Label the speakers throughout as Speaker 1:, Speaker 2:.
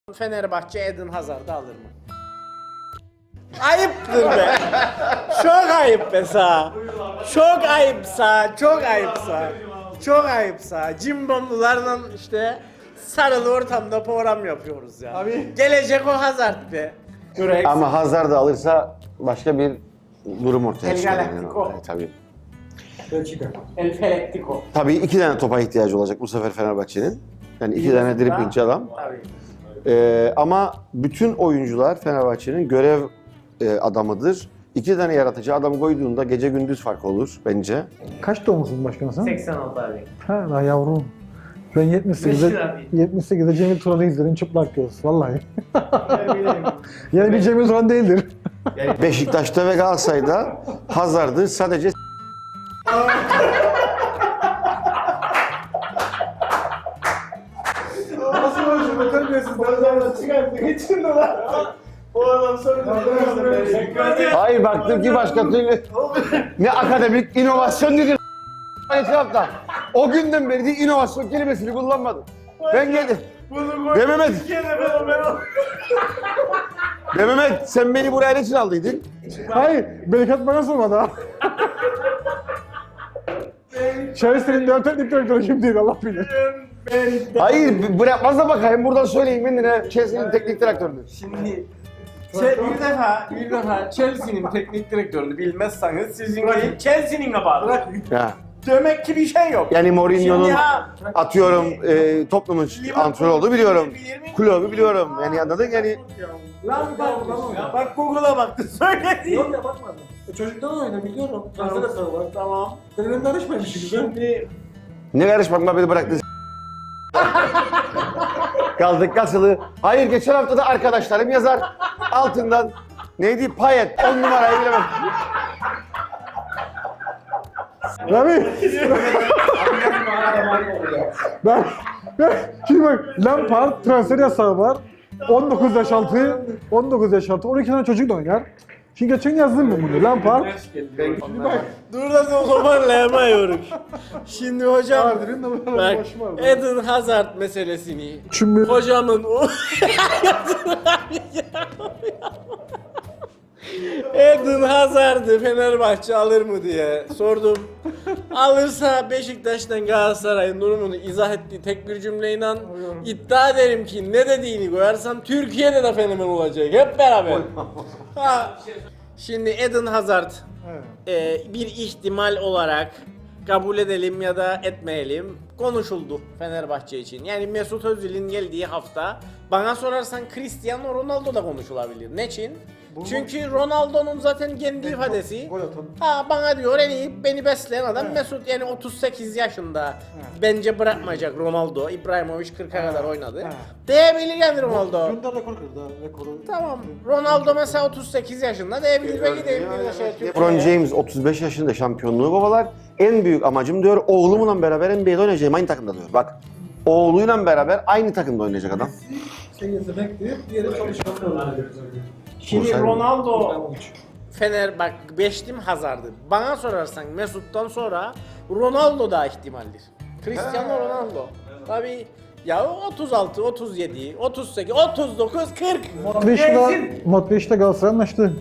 Speaker 1: Fenerbahçe Eden Hazard'ı alır mı? Ayıptır be. Çok ayıp be sağ. Çok ayıpsa, çok ayıpsa. Çok ayıpsa. Cimbomlularla işte sarılı ortamda program yapıyoruz ya.
Speaker 2: Abi.
Speaker 1: Gelecek o Hazard be. Durex.
Speaker 3: Ama Hazard da alırsa başka bir durum ortaya
Speaker 1: El
Speaker 3: çıkar.
Speaker 1: Galactico.
Speaker 3: Tabii.
Speaker 2: Belçika.
Speaker 1: El Felektico.
Speaker 3: Tabii 2 tane topa ihtiyacı olacak bu sefer Fenerbahçe'nin. Yani 2 tane driblingçi adam.
Speaker 1: Tabii.
Speaker 3: Ama bütün oyuncular Fenerbahçe'nin görev adamıdır. 2 tane yaratıcı adam koyduğunda gece gündüz fark olur bence.
Speaker 2: Kaç doğumlusun başkanım sen?
Speaker 1: 86 abi.
Speaker 2: Ha daha yavrum. Ben 78'de Cemil Turan'ı izledim çıplak göz. Vallahi. Yani bir Cemil Turan değildir.
Speaker 3: Beşiktaş'ta ve Galatasaray'da Hazard'ı sadece
Speaker 2: Nasıl konuşuyor? Terbiyesiz. Nazardan çıkarttı. Geçin de lan. O adam sonra
Speaker 3: hayır baktım ki başka türlü ne akademik inovasyon dedi etrafta. O günden beri de inovasyon kelimesini kullanmadım. Ben geldim. Be Mehmet sen beni buraya ne için aldıydın?
Speaker 2: Hayır. Belikat bana sormadı ha. Chelsea'nin 4 teknik direktörü kimdi Allah bilir.
Speaker 3: Hayır bırakmaz da bakayım buradan söyleyeyim kendine Chelsea'nin teknik direktörünü.
Speaker 1: Şimdi bir defa Chelsea'nin teknik direktörünü bilmezseniz sizin değil Chelsea'nin kabahatı.
Speaker 3: Ya.
Speaker 1: Demek ki bir şey yok.
Speaker 3: Yani Mourinho'nun
Speaker 1: Şimdi ha,
Speaker 3: atıyorum toplumun antrenörü olduğu biliyorum.
Speaker 1: Bilir mi?
Speaker 3: Kulübü biliyorum. Yani anladın yani.
Speaker 1: Bak Google'a baktı söyledi.
Speaker 2: Yok ya bakmadım. Çocuktan oyna biliyorum. Transfer hesabı var.
Speaker 1: Tamam.
Speaker 2: Senin karışmamışsın güzel.
Speaker 1: Şimdi
Speaker 3: Ne karışmak beni bıraktı. Kaldık kasılı. Hayır geçen hafta da arkadaşlarım yazar altından neydi Payet 10 numarayı bilemem.
Speaker 2: Rami. ben şimdi bak Lampard transfer yasağı var. 19 yaş altı, 19 yaş altı, 12 tane çocuk da oynar. Şimdi geçen yazdım ben bunu. Lampard. Şimdi bak.
Speaker 1: dur da toparlayamıyorum. Şimdi hocam
Speaker 2: Adil'in de böyle
Speaker 1: bak
Speaker 2: başım var.
Speaker 1: Eden Hazard meselesini
Speaker 2: Çünkü
Speaker 1: hocamın o Eden Hazard'ı Fenerbahçe alır mı diye sordum. Alırsa Beşiktaş'tan Galatasaray'ın durumunu izah ettiği tek bir cümleyle iddia ederim ki ne dediğini koyarsam Türkiye'de de fenomen olacak hep beraber. Ha. Şimdi Eden Hazard bir ihtimal olarak kabul edelim ya da etmeyelim konuşuldu Fenerbahçe için. Yani Mesut Özil'in geldiği hafta bana sorarsan Cristiano Ronaldo da konuşulabilir. Ne için? Çünkü Ronaldo'nun zaten kendi ifadesi.
Speaker 2: gol atan.
Speaker 1: Ha bana diyor en iyi beni besleyen adam Mesut yani 38 yaşında bence bırakmayacak Ronaldo. İbrahimovic 40'a kadar oynadı. Diyebilir yani Ronaldo.
Speaker 2: Gönder rekor kırdı ha. Rekoru.
Speaker 1: Tamam. Ronaldo mesela 38 yaşında diyebilir belki de
Speaker 3: LeBron James 35 yaşında şampiyonluğu kovalar. En büyük amacım diyor oğlumla beraber NBA'de oynayacağım aynı takımda diyor. Bak oğluyla beraber aynı takımda oynayacak adam.
Speaker 2: Şey yetenek diye diğeri çalışkan
Speaker 1: Şimdi Ronaldo Fener bak beştim Hazard'ı. Bana sorarsan Mesut'tan sonra Ronaldo da ihtimaldir. Cristiano Ronaldo. Tabii ya 36, 37, 38, 39, 40.
Speaker 2: Modric'le Galatasaray anlaştı.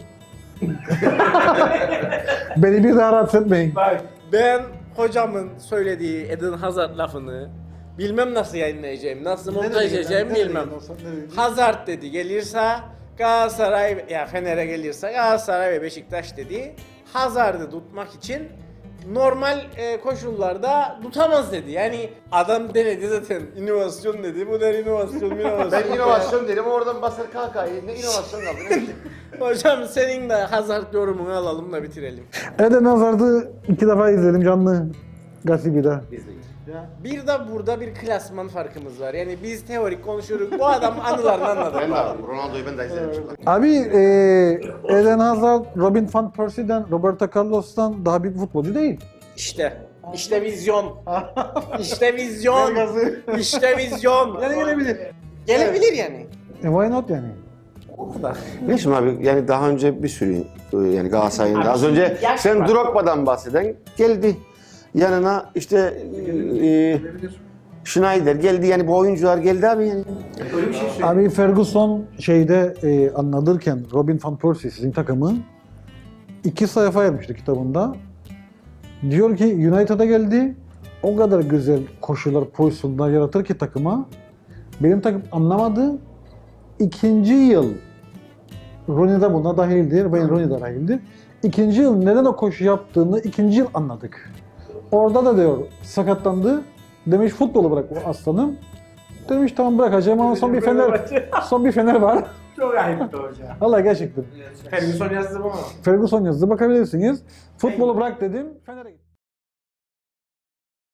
Speaker 2: Beni bir daha rahatsız etmeyin.
Speaker 1: Bak ben hocamın söylediği Eden Hazard lafını bilmem nasıl yayınlayacağım, nasıl montaj edeceğim bilmem. Hazard dedi gelirse Galatasaray ya Fener'e gelirse Galatasaray ve Beşiktaş dedi. Hazard'ı tutmak için normal koşullarda tutamaz dedi. Yani adam denedi zaten inovasyon dedi. Bu der inovasyon.
Speaker 3: dedim oradan basar kalkayı. Ne inovasyon kaldı?
Speaker 1: Hocam senin de Hazard yorumunu alalım da bitirelim.
Speaker 2: Eden Hazard'ı 2 defa izledim canlı. Gasibi'de.
Speaker 1: Bir de burada bir klasman farkımız var. Yani biz teorik konuşuyoruz. Bu adam anılarını anladı.
Speaker 3: Ronaldo'yu ben de izlemişim.
Speaker 2: Abi Eden Hazard, Robin van Persie'den, Roberto Carlos'tan daha büyük futbolcu değil.
Speaker 1: İşte vizyon. İşte vizyon. İşte vizyon.
Speaker 2: Yani gelebilir.
Speaker 1: Gelebilir yani.
Speaker 2: Why not yani?
Speaker 3: Ne şimdi abi yani daha önce bir sürü yani Galatasaray'ın da az önce
Speaker 1: yaş
Speaker 3: sen
Speaker 1: var.
Speaker 3: Drogba'dan bahseden geldi. Yanına işte Schneider geldi yani bu oyuncular geldi abi yani.
Speaker 4: Öyle bir şey söyleyeyim.
Speaker 2: Abi Ferguson şeyde anlatırken Robin van Persie sizin takımı 2 sayfa yapmıştı kitabında. Diyor ki United'a geldi. O kadar güzel koşular, pozisyonlar yaratır ki takıma. Benim takım anlamadı. 2. yıl Rooney de buna dahildir, Wayne Rooney de dahildir. 2. yıl neden o koşu yaptığını 2. yıl anladık. Orada da diyor sakatlandı. Demiş futbolu bırak bu aslanım. Demiş tamam bırakacağım ama son bir Fener var.
Speaker 4: Çok ayıptı hocam.
Speaker 2: Vallahi gerçekten.
Speaker 4: Ferguson yazdı bu mu?
Speaker 2: Ferguson yazdı bakabilirsiniz. Futbolu bırak dedim. Fener'e gittim.